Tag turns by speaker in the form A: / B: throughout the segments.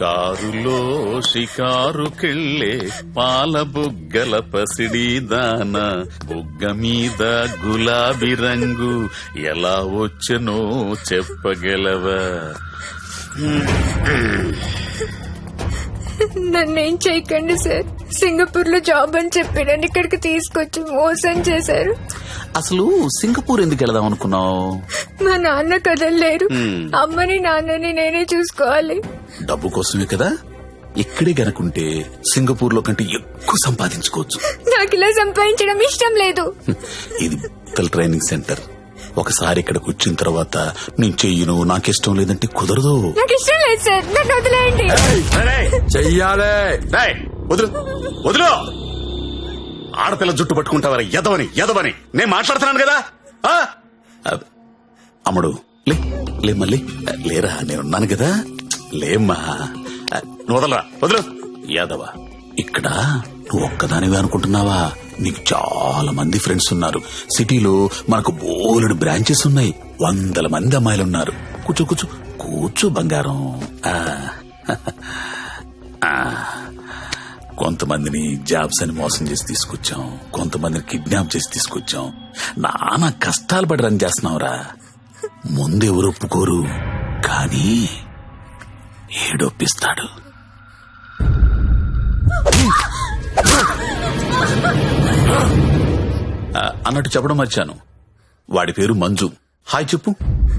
A: కారులో షికారుకెళ్ళే పాల బుగ్గల పసిడి దాన బుగ్గ మీద గులాబీ రంగు ఎలా వచ్చనో చెప్పగలవా?
B: నన్నేం చేయకండి సార్. సింగపూర్ లో జాబ్ అని చెప్పి నన్ను ఇక్కడికి తీసుకొచ్చి మోసం చేశారు.
A: అసలు సింగపూర్ ఎందుకు వెళదాం అనుకున్నావు?
B: మా నాన్న కదలలేరు. అమ్మని నాన్నని నేనే చూసుకోవాలి.
A: డబ్బు కోసమే కదా. ఇక్కడే గనుకుంటే సింగపూర్ లో కంటే ఎక్కువ సంపాదించుకోవచ్చు.
B: నాకు ఇలా సంపాదించడం ఇష్టం లేదు.
A: ఇది ట్రైనింగ్ సెంటర్. ఒకసారి ఇక్కడికి వచ్చిన తర్వాత నేను చెయ్యను, నాకిష్టం లేదంటే కుదరదు.
B: నాకు ఇష్టం లేదు సార్, నన్ను వదిలేయండి.
C: చెయ్యాలే.
A: వదులు వదులు. ఆడపిల్ల జుట్టు పట్టుకుంటావరా? ఎదవని ఎదవని నేను మాట్లాడుతున్నాను కదా. అమ్ముడు లే మళ్ళీ లేరా, నేనున్నాను కదా. లేమ్మా, వదలరా, వదులు. యాదవా, ఇక్కడ నువ్వు ఒక్కదానివే అనుకుంటున్నావా? నీకు చాలా మంది ఫ్రెండ్స్ ఉన్నారు. సిటీలో మనకు బోలెడు బ్రాంచెస్ ఉన్నాయి. 100 మంది అమ్మాయిలున్నారు. కూర్చో కూర్చో కూర్చో బంగారం. కొంతమందిని జాబ్స్ అని మోసం చేసి తీసుకొచ్చాం, కొంతమందిని కిడ్నాప్ చేసి తీసుకొచ్చాం. నానా కష్టాలు పడి రన్ చేస్తున్నావురా. ముందెవరు ఒప్పుకోరు, కానీ ఏడొప్పిస్తాడు. అన్నట్టు చెప్పడం మర్చాను, వాడి పేరు మంజు. హాయ్ చెప్పు.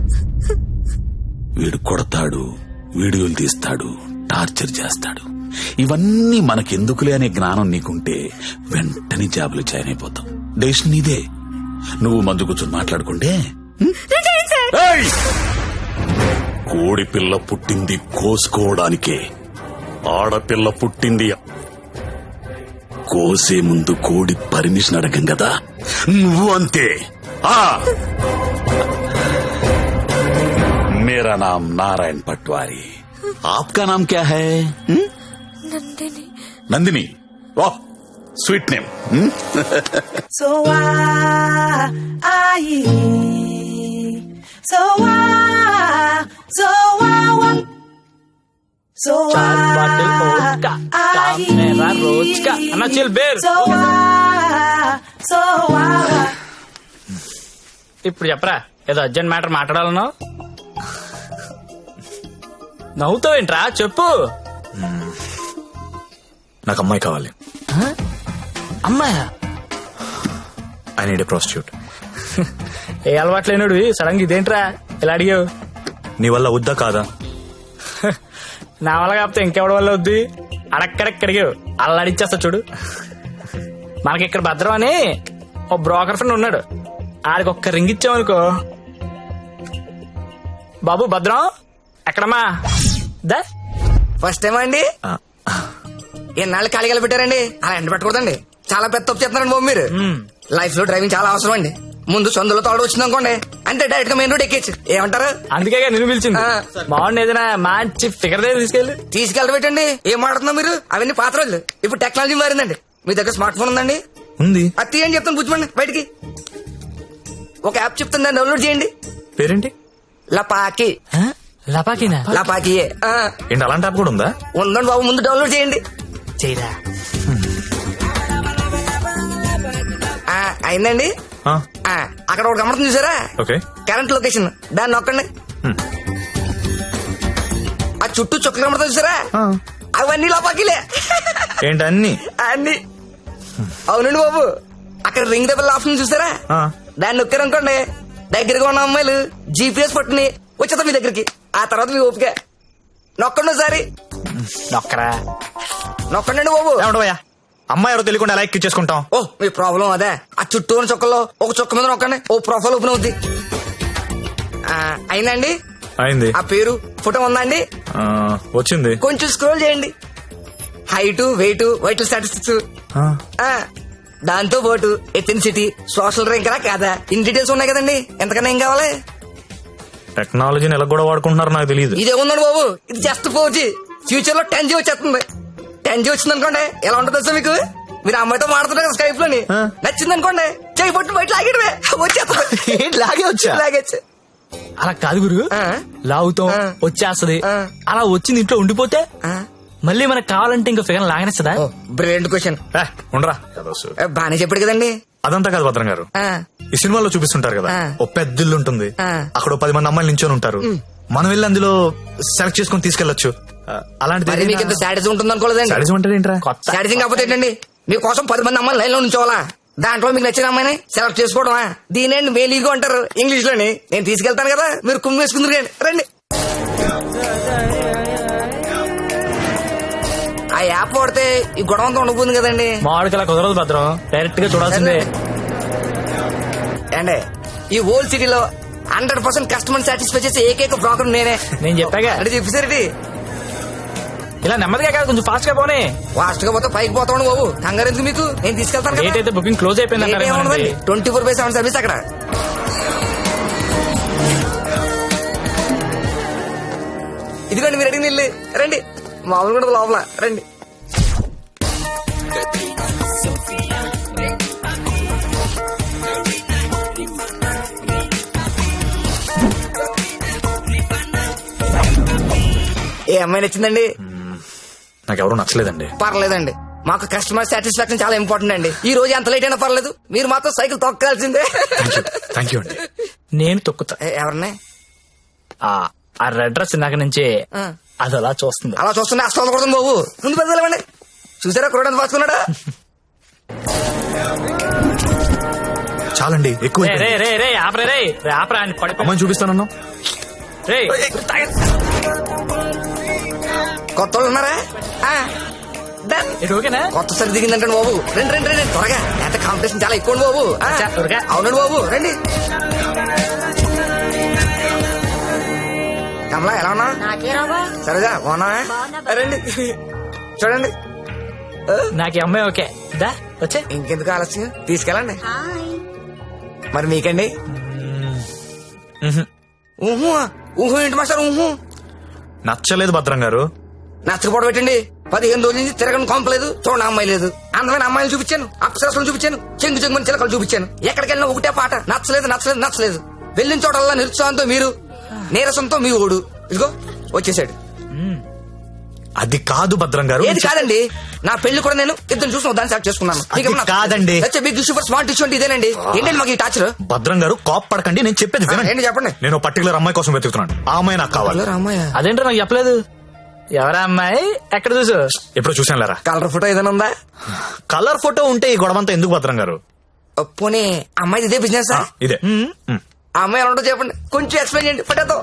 A: వీడు కొడతాడు, వీడియోలు తీస్తాడు, టార్చర్ చేస్తాడు. ఇవన్నీ మనకెందుకులే అనే జ్ఞానం నీకుంటే వెంటనే జాబులు జాయిన్ అయిపోతాం. డెసిషన్ నీదే. నువ్వు మంజు కూర్చొని మాట్లాడుకుంటే. కోడి పిల్ల పుట్టింది కోసుకోవడానికే, ఆడపిల్ల పుట్టింది కోసే ముందు కోడి పర్మిషన్ అడగం కదా. నువ్వు అంతే. मेरा नाम नारायण पटवारी, आपका नाम क्या है?
B: నందిని.
A: नंदिनी, वाह स्वीट नेम.
D: So
E: चार बाटल वोडका, काम मेरा रोज का. अन्ना चिल बेर. ఇప్పుడు చెప్పరా, ఏదో అర్జెంట్ మ్యాటర్ మాట్లాడాలన్నావు. నవ్వుతావేంట్రా, చెప్పు.
C: నాకు అమ్మాయి కావాలి.
E: అమ్మాయా?
C: I need a prostitute.
E: ఏ అలవాటు లేనుడివి సడన్ గా ఇదేంట్రా ఇలా అడిగావు?
C: నీ వల్ల వద్దా కాదా?
E: నా వల్ల కాకపోతే ఇంకెవడి వల్ల వద్ది? అడక్కడక్కడిగావు, అలా అడిచేస్తా చూడు. మనకి ఇక్కడ భద్రం అని ఓ బ్రోకర్ ఫ్రెండ్ ఉన్నాడు. ఆడికి ఒక్క రింగ్ ఇచ్చామనుకో. బాబు భద్రం ఎక్కడమ్మా? దా
F: ఫస్ట్ టైం అండి. ఎన్నాళ్ళు ఖాళీగా పెట్టారండి? అలా ఎండ పెట్టకూడదండి. చాలా పెద్ద తప్పు చేస్తున్నారండి బాబు మీరు. లైఫ్ లో డ్రైవింగ్ చాలా అవసరం అండి. ముందు సొందులో తోడు వచ్చింది అనుకోండి, అంటే డైరెక్ట్ గా మెయిన్ రోడ్ ఎక్కేచ్చు. ఏమంటారు?
E: అందుకే నిన్ను పిలిచింది. బాగుంది, ఏదైనా మంచి ఫిగర్ దగ్గర
F: తీసుకెళ్ళబెట్టండి. ఏం మాడుతున్నా మీరు? అవన్నీ పాత రోజులు. ఇప్పుడు టెక్నాలజీ మారిందండి. మీ దగ్గర స్మార్ట్ ఫోన్ ఉందండి?
C: ఉంది.
F: అది తీయండి చెప్తాను, బుజ్జిమండి బయటికి. ఒక యాప్ చెప్తాను, దాన్ని డౌన్లోడ్ చేయండి.
C: పేరేంటి?
F: లపాకి.
E: లపాకినా?
F: లపాకియే.
C: ఏంటి అలాంటి యాప్ కూడా ఉందా?
F: ఉందండి బాబు, ముందు డౌన్లోడ్ చేయండి.
E: చేయరా.
F: అయిందండి. అక్కడ ఒకటి గమనింది చూసారా? కరెంట్ లొకేషన్, దాన్ని నొక్కండి. ఆ చుట్టూ చుక్కలు గమనింది చూసారా? అవన్నీ లపాకిలే.
C: ఏంటి అన్ని?
F: అన్ని. అవునండి బాబు, అక్కడ రింగ్ దెబ్బల ఆప్షన్ చూసారా? దాన్ని నొక్కారనుకోండి, దగ్గరగా ఉన్న అమ్మాయిలు జీపీఎస్ పట్టుని వచ్చేద్దాం మీ దగ్గరికి. ఆ తర్వాత మీ ఓపిక. నొక్కండి ఒకసారి.
E: నొక్కరా.
F: నొక్కండి బాబు.
C: అమ్మాయి ఎవరో తెలియకుండా ఎలా ఎక్కించేసుకుంటాం?
F: ఓ మీ ప్రాబ్లం అదే. ఆ చుట్టూ ఉన్న చుక్కల్లో ఒక చుక్క మీద నొక్కండి, ఓ ప్రొఫైల్ ఓపెన్ అవుద్ది. అయిందండి?
C: అయింది.
F: ఆ పేరు ఫోటో ఉందా అండి?
C: వచ్చింది.
F: కొంచెం స్క్రోల్ చేయండి. హైట్, వెయిట్, వైటల్ స్టాటిస్టిక్స్, దాంతో పాటు ఎథెన్సిటీ, సోషల్ ర్యాంక్ రా కాదా, ఇన్ డీటెయిల్స్ ఉన్నాయి కదండి. ఎంతకన్నా ఏం కావాలి?
C: టెక్నాలజీని ఎలా కూడా వాడుకుంటున్నారో నాకు తెలియదు.
F: ఇదే ఉందండి బాబు, ఇది జస్ట్ 4G. ఫ్యూచర్ లో 10G వచ్చేస్తుంది. 10G వచ్చింది అనుకోండి, ఎలా ఉంటుంది సార్ మీకు? మీరు అమ్మాయితో మాడుతున్నారు కదా స్కైప్ లోని, నచ్చింది అనుకోండి, చేయి పట్టు బయట లాగేటమే వచ్చేస్తుంది.
C: లాగే వచ్చా?
F: లాగేచ్చు.
E: అలా కాదు గురు,
F: ఆ.
E: లాగుతాం
F: ఆ.
E: వచ్చేస్తది,
F: ఆ.
E: అలా వచ్చింది ఇంట్లో ఉండిపోతే మళ్ళీ మనకు కావాలంటే ఇంకా ఫిగర్ లాగనేస్తుందా?
F: Brilliant question.
C: ఉండరా ఏదో సు-
F: బానే చెప్పాడు కదండి.
C: అదంతా కాదు భద్రం గారు.
F: ఆ,
C: ఈ సినిమాలో చూపిస్తుంటారు కదా,
F: ఆ.
C: ఓ పెద్ద ఇల్లు ఉంటుంది,
F: ఆ.
C: అక్కడ ఓ 10 మంది అమ్మాయిలు నించొని ఉంటారు, మనం వెళ్ళి అందులో సెలెక్ట్ చేసుకుని తీసుకెళ్లొచ్చు.
F: మరి మీకు ఇంత సాటిస్ ఉంటుంది అనుకోలేదండి.
C: సాడిజం అంటే ఏంట్రా?
E: కొత్త
F: సాటిసింగ్ కాకపోతే ఏంటండి, మీకోసం 10 మంది అమ్మాయిలు లైన్ లో ఉంచోవాలా, దాంట్లో మీకు నచ్చిన అమ్మాయిని సెలెక్ట్ చేసుకోవడమా? దీనేండి మేలీగో అంటారు ఇంగ్లీష్ లోని. నేను తీసుకెళ్తాను కదా, మీరు కుమ్మి వేసుకుందరు రండి. ఆ యాప్ వాడితే ఈ గొడవ అంతా ఉండబోతుంది కదండి.
E: మామిడికి అలా కుదరదు భద్రం, డైరెక్ట్ గా చూడాల్సిందే.
F: అండి ఈ ఓల్డ్ సిటీలో 100% కస్టమర్ సాటిస్ఫై చేసే ఏకైక బ్రోకర్ నేనే.
E: నేను చెప్పాగా,
F: అంటే చెప్పేసరికి
E: ఇలా నెమ్మదిగా కాదు, కొంచెం ఫాస్ట్ గా పోనీ.
F: ఫాస్ట్ గా పోతే పైకి పోతాను బాబు, కంగారు ఎందుకు మీకు, నేను తీసుకెళ్తాను
E: డేట్
F: కదా.
E: అయితే బుకింగ్ క్లోజ్ అయిపోయింది అంటారు.
F: 24/7 సర్వీస్ అక్కడ. ఇదిగోండి మీరు అడిగిన ఇల్లు, రండి. మామూలు కూడా లోపల రండి. ఏ అమ్మాయి నచ్చిందండి?
C: నాకెవరూ నచ్చలేదండి.
F: పర్లేదండి, మాకు కస్టమర్ సాటిస్ఫాక్షన్ చాలా ఇంపార్టెంట్ అండి. ఈ రోజు ఎంత లేట్ అయినా పర్లేదు, మీరు మాత్రం సైకిల్ తొక్కాల్సిందే.
C: థ్యాంక్ యూ అండి.
E: నేను తొక్కుతా.
F: ఎవరిని?
E: ఆ రెడ్ డ్రెస్ ఇందాక నుంచి
F: ఆ.
E: అది అలా చూస్తుంది.
F: అలా చూస్తున్నా అసలు కొడుతుంది బాబు, ముందు పెద్దలేమండి. చూసారా కురడానికి పాసుకున్నాడా?
C: చాలండి, ఎక్కువ
E: రే రే
C: అయిపోయింది.
E: రే రే ఆపరే రే రే ఆపరా అని పడి
C: అమ్మాయిని చూపిస్తానన్నా.
E: రే.
F: కొత్త వాళ్ళు ఉన్నారా? ఆ, done.
E: ఇది ఓకేనా?
F: కొత్త సరి దిగిందంటే బాబు, రండి రండి రండి త్వరగా, ఎంత కాంపిటీషన్ చాలా ఎక్కువ బాబు. ఆ,
E: అచ్చా, త్వరగా.
F: అవునండి బాబు, రండి. కమలా ఎలా ఉన్నా? సరేగా బాగున్నా? రండి చూడండి.
E: నాకు ఈ అమ్మాయి ఓకే. దా వచ్చే.
F: ఇంకెందుకు ఆలస్యం, తీసుకెళ్ళండి. మరి మీకండి? ఊహు ఊహు ఏంటి మాస్టర్ ఊహు?
C: నచ్చలేదు భద్రం గారు.
F: నచ్చకపోవడం పెట్టండి. 15 రోజుల నుంచి తిరగని కొంపలేదు, చూడండి అమ్మాయి లేదు. అందమైన అమ్మాయిలు చూపించాను, అప్సరసలు చూపించాను, చెంగు చెంగుని చిలకలు చూపించాను. ఎక్కడికి వెళ్ళినా ఒకటే పాట, నచ్చలేదు నచ్చలేదు నచ్చలేదు. వెళ్ళిన చోటల్లా నిరుత్సాహంతో మీరు, నీరసంతో మీ ఓడు. ఇదిగో వచ్చేసాడు.
C: అది కాదు భద్రం గారు.
F: ఏది కాదండి, నా పెళ్లి కూడా నేను ఇద్దరు చూసిన దాన్ని సెలెక్ట్ చేసుకున్నాను.
C: అది కాదండి.
F: Big issue for smart issue అంటే ఇదేనండి. ఏంటండి మాకు ఈ టాచర్?
C: భద్రం గారు కోప్ పడకండి, నేను చెప్పేది వినండి.
F: ఏంటి చెప్పండి.
C: నేను పర్టికులర్ అమ్మాయి కోసం వెతుకుతున్నాను, ఆ అమ్మాయి నాకు కావాలి.
F: రామయ్య
E: అదేంటో నాకు చెప్పలేదు. ఎవరా అమ్మాయి? ఎక్కడ చూసు?
C: ఎప్పుడు చూసాను లేరా.
F: కలర్ ఫోటో ఏదైనా ఉందా?
C: కలర్ ఫోటో ఉంటే ఈ గొడవంతా ఎందుకు భద్రం గారు?
F: పోనీ అమ్మాయి ఇదే బిజినెస్?
C: ఇదే.
F: ఆ అమ్మాయి ఎలా ఉంటుందో చెప్పండి, కొంచెం ఎక్స్ప్లెయిన్ చేయండి ఫోటోతో.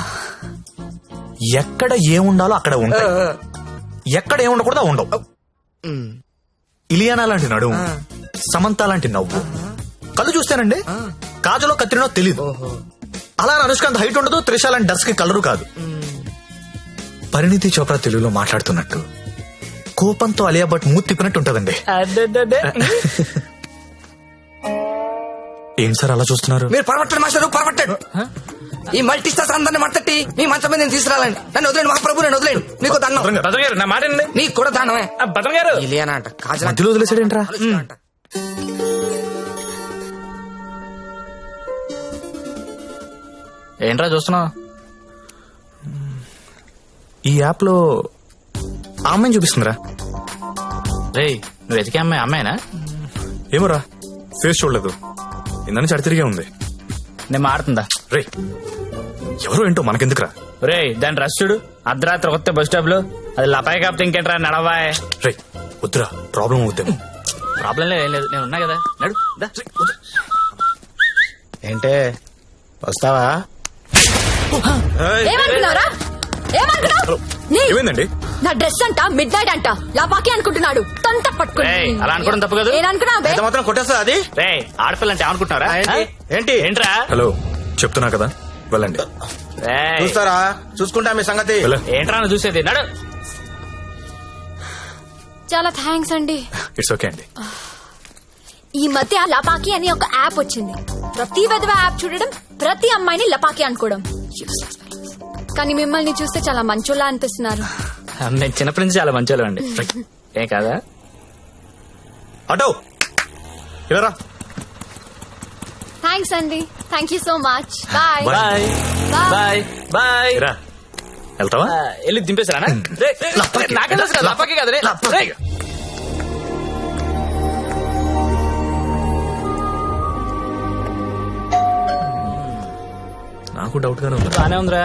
C: ఎక్కడ ఏముండాలో అక్కడ ఉంటాయి, ఎక్కడ ఏముండకూడదు ఉండవు. ఇలియానా లాంటి నడుము, సమంత లాంటి నవ్వు, కళ్ళు చూస్తానండి కాజలో కత్తిరినో తెలీదు. అలా అనుష్కాంత్ హైట్ ఉండదు, త్రిష లాంటి డర్స్ కి కలరు కాదు. పరిణితి చోప్రా తెలుగులో మాట్లాడుతున్నట్టు, కోపంతో అలియా భట్ మూతి తిప్పినట్టు ఉంటదండి. ఏం సార్ అలా చూస్తున్నారు?
F: మీరు పరమట్టండి మాస్టర్, పరమట్టండి. ఈ మల్టీ స్టార్స్ అందరిని మట్టట్టి మీ మంచం మీద నేను తీసుకురాలండి. నన్ను వదిలేండి మహాప్రభు, నేను వదిలేండి. మీకు దండం.
E: భద్రం గారు నా మాట వినండి.
F: నీకు కూడా దండమే.
E: భద్రం గారు
F: ఇలియానా అంట, కాజల్
C: మధ్యలో వదిలేసాడేంట్రా?
F: అంట.
E: ఏంట్రా చూస్తున్నావు?
C: ఈ యాప్ లో ఆ అమ్మాయిని చూపిస్తుందిరా.
E: రే నువ్వు వెతికే అమ్మాయి అమ్మాయినా?
C: ఏమోరా, ఫేస్ చూడలేదు, ఇందని చడి తిరిగే ఉంది.
E: నేను మాడుతుందా?
C: రే ఎవరో ఏంటో మనకెందుకురా.
E: రే దాని రష్ చూడు, అర్ధరాత్రి కొత్త బస్ స్టాప్ లో. అది లపాయి కాపుతే ఇంకేంట్రా నడవాయ్.
C: రే వద్దురా, ప్రాబ్లం అవుద్దేమో.
E: ప్రాబ్లం లేదు, ఏం లేదు, నేను ఉన్నా కదా, నడు దా.
G: ఏంటే వస్తావా?
B: ఏమనుకున్నారా? ఏమనుకున్నావు? నీ-
C: ఏమైందండి?
B: నా డ్రెస్ అంట మిడ్ నైట్ అంట లాపాకి అనుకుంటున్నాడు. తొంత పట్టుకుని
E: ఏయ్, అలా అనుకోవడం తప్పు కాదు.
B: ఏమనుకున్నావు బే?
G: ఎంత మాత్రం కొట్టేస్తా అది?
E: రే ఆడపిల్ల అంటే ఏమనుకుంటున్నారా?
G: ఏంటి?
E: ఏంట్రా?
C: హలో చెప్తున్నా కదా, వెళ్ళండి.
E: రేయ్,
G: చూస్తారా? చూసుకుంటా మీ సంగతి.
C: వెళ్ళ.
E: ఏంట్రా నువ్వు చూసేది? నడు.
B: చాలా థ్యాంక్స్ అండి.
C: ఇట్స్ ఓకే అండి.
B: ఈ మధ్య లపాకి అని ఒక యాప్ వచ్చింది. ప్రతి విధవ యాప్ చూడడం, ప్రతి అమ్మాయిని లపాకి అనుకోవడం. Useless fellows. కానీ మిమ్మల్ని చూస్తే చాలా మంచోళ్ళ అనిపిస్తున్నారు.
E: నేను చిన్నప్పటి నుంచి చాలా మంచి అండి. ఏం కాదా?
C: ఆటో ఇలా రా.
B: థ్యాంక్స్ అండి. Thank you so much. Bye.
E: Bye bye bye.
C: రా వెళ్తావా?
E: వెళ్ళి దింపేశారా? నాకే తెలుసు కదా, లపాకి కదా రే. రేయ్.
C: నాకు డౌట్ గానే ఉంది.
E: బానే ఉందిరా.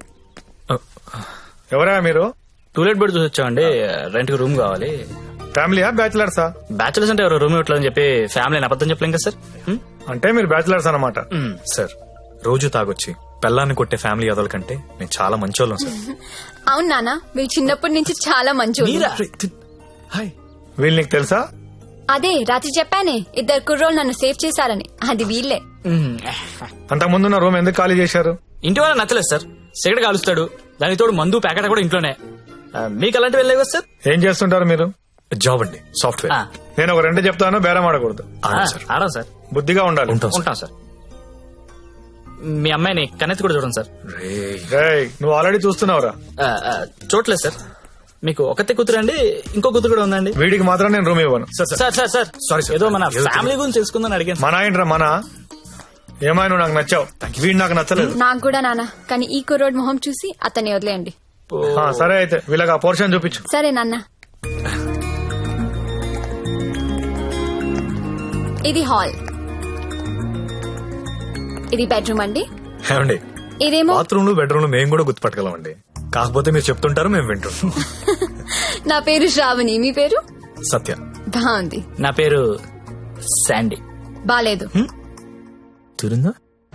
H: ఎవరా మీరు?
E: టూలెట్ బెడ్ చూసి వచ్చామండి. రెంట్ కి రూమ్ కావాలి.
H: ఫ్యామిలీయా బ్యాచిలర్సా?
E: బ్యాచులర్స్ అంటే ఎవరు రూమ్ ఇవ్వట్లేదని చెప్పి ఫ్యామిలీ అబద్ధం చెప్పలేం కదా సార్.
H: అంటే మీరు బ్యాచిలర్స్ అన్నమాట.
C: సార్ రోజు తాగొచ్చి పెళ్ళాన్ని కొట్టే ఫ్యామిలీ అదల కంటే నేను చాలా మంచోళ్ళం సార్.
B: అవును నాన్న, మీరు చిన్నప్పటి నుంచి చాలా మంచి.
C: హాయ్.
H: వీళ్ళు నీకు తెలుసా?
B: అదే రాత్రి చెప్పానే, 2 కుర్రోళ్ళు నన్ను సేవ్ చేశారని. అది వీళ్ళే.
H: అంతకు ముందున్న రూమ్ ఎందుకు ఖాళీ చేశారు?
E: ఇంటి వాళ్ళ నచ్చలేదు సార్. సిగరెట్ కాలుస్తాడు, దానికి తోడు మందు ప్యాకెట్ కూడా ఇంట్లోనే. మీకు అలాంటివి వెళ్ళలేవు కదా సార్.
H: ఏం చేస్తుంటారు మీరు?
C: జాబ్ అండి, సాఫ్ట్వేర్.
H: నేను ఒక 2 చెప్తాను, బేరం ఆడకూడదు.
E: ఆడం సార్.
H: బుద్ధిగా ఉండాలి.
E: ఉంటాం సార్. మీ అమ్మాయిని కన్నెత్తి కూడా చూడండి సార్.
H: రేయ్, నువ్వు ఆల్రెడీ చూస్తున్నావురా.
E: చూడలేదు సార్. మీకు ఒకతే కూతురు అండి, ఇంకో కూతురు కూడా ఉందండి.
H: వీడికి మాత్రం నేను రూమ్ ఇవ్వను.
E: Sir sir sir
C: Sorry, sir.
E: ఏదో మన ఫ్యామిలీ గురించి తెలుసుకుందని అడిగాను.
H: మన ఏంట్రా మన? ఏమైనా నువ్వు నాకు నచ్చావు, వీడు నాకు నచ్చలేదు.
B: నాకు కూడా నాన్న, కానీ ఈ కుర్రోడ్ మొహం చూసి అతన్ని వదిలేయండి.
H: సరే అయితే వీళ్ళకి ఆ పోర్షన్ చూపించు.
B: సరే నాన్న. ఇది హాల్, ఇది బెడ్రూమ్ అండి.
C: ఏమండి,
B: ఇదేమో
C: బాత్రూమ్ లో బెడ్రూమ్ లో మేము కూడా గుర్తుపట్టగలం అండి. కాకపోతే మీరు చెప్తుంటారు, మేము వింటుంటాం.
B: నా పేరు శ్రావణి, మీ పేరు?
C: సత్య.
B: బాగుంది.
E: నా పేరు శాండీ.
B: బాలేదు.
C: తిరుందా?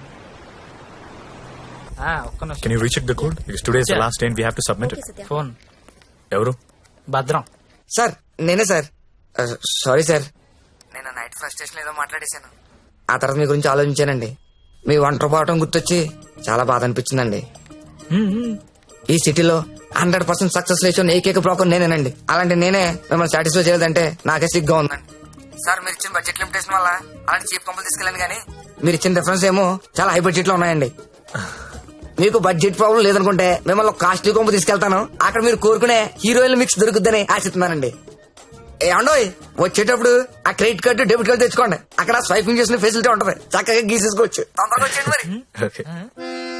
E: ఒక్క నిమిషం.
C: Can you recheck the code? It's today's the last day we have to submit it.
E: Phone.
C: ఎవరు?
E: భద్రం.
F: సార్ నేనే సార్. సారీ సార్, నేను నైట్ ఫ్రస్ట్రేషన్ ఏదో మాట్లాడేశాను. ఆ తర్వాత మీ గురించి ఆలోచించానండి. మీ ఒంటరి పోవటం గుర్తొచ్చి చాలా బాధ అనిపించిందండి. ఈ సిటీలో 100% సక్సెస్ రేషియో ఏకైక బ్రోకర్ నేనేనండి. అలాంటి నేనే మిమ్మల్ని సాటిస్ఫై చేయలేదంటే నాకే సిగ్గా ఉందండి. సార్ మీరు ఇచ్చిన బడ్జెట్ లిమిటేషన్ వల్ల అలాంటి చీప్ కంపెనీ తీసుకెళ్ళాను, కానీ మీరు ఇచ్చిన రిఫరెన్స్ ఏమో చాలా హై బడ్జెట్ లో ఉన్నాయండి. మీకు బడ్జెట్ ప్రాబ్లం లేదనుకుంటే మిమ్మల్ని కాస్ట్లీ కొంపు తీసుకెళ్తాను. అక్కడ మీరు కోరుకునే హీరోయిన్ మిక్స్ దొరుకుద్దని ఆశిస్తున్నానండి. ఏమండోయ్, వచ్చేటప్పుడు ఆ క్రెడిట్ కార్డు డెబిట్ కార్డు తెచ్చుకోండి. అక్కడ స్వైపింగ్ చేసిన ఫెసిలిటీ ఉంటది, చక్కగా గీసేసుకోవచ్చు. తొందరగా వచ్చేయండి మరి.
C: ఓకే.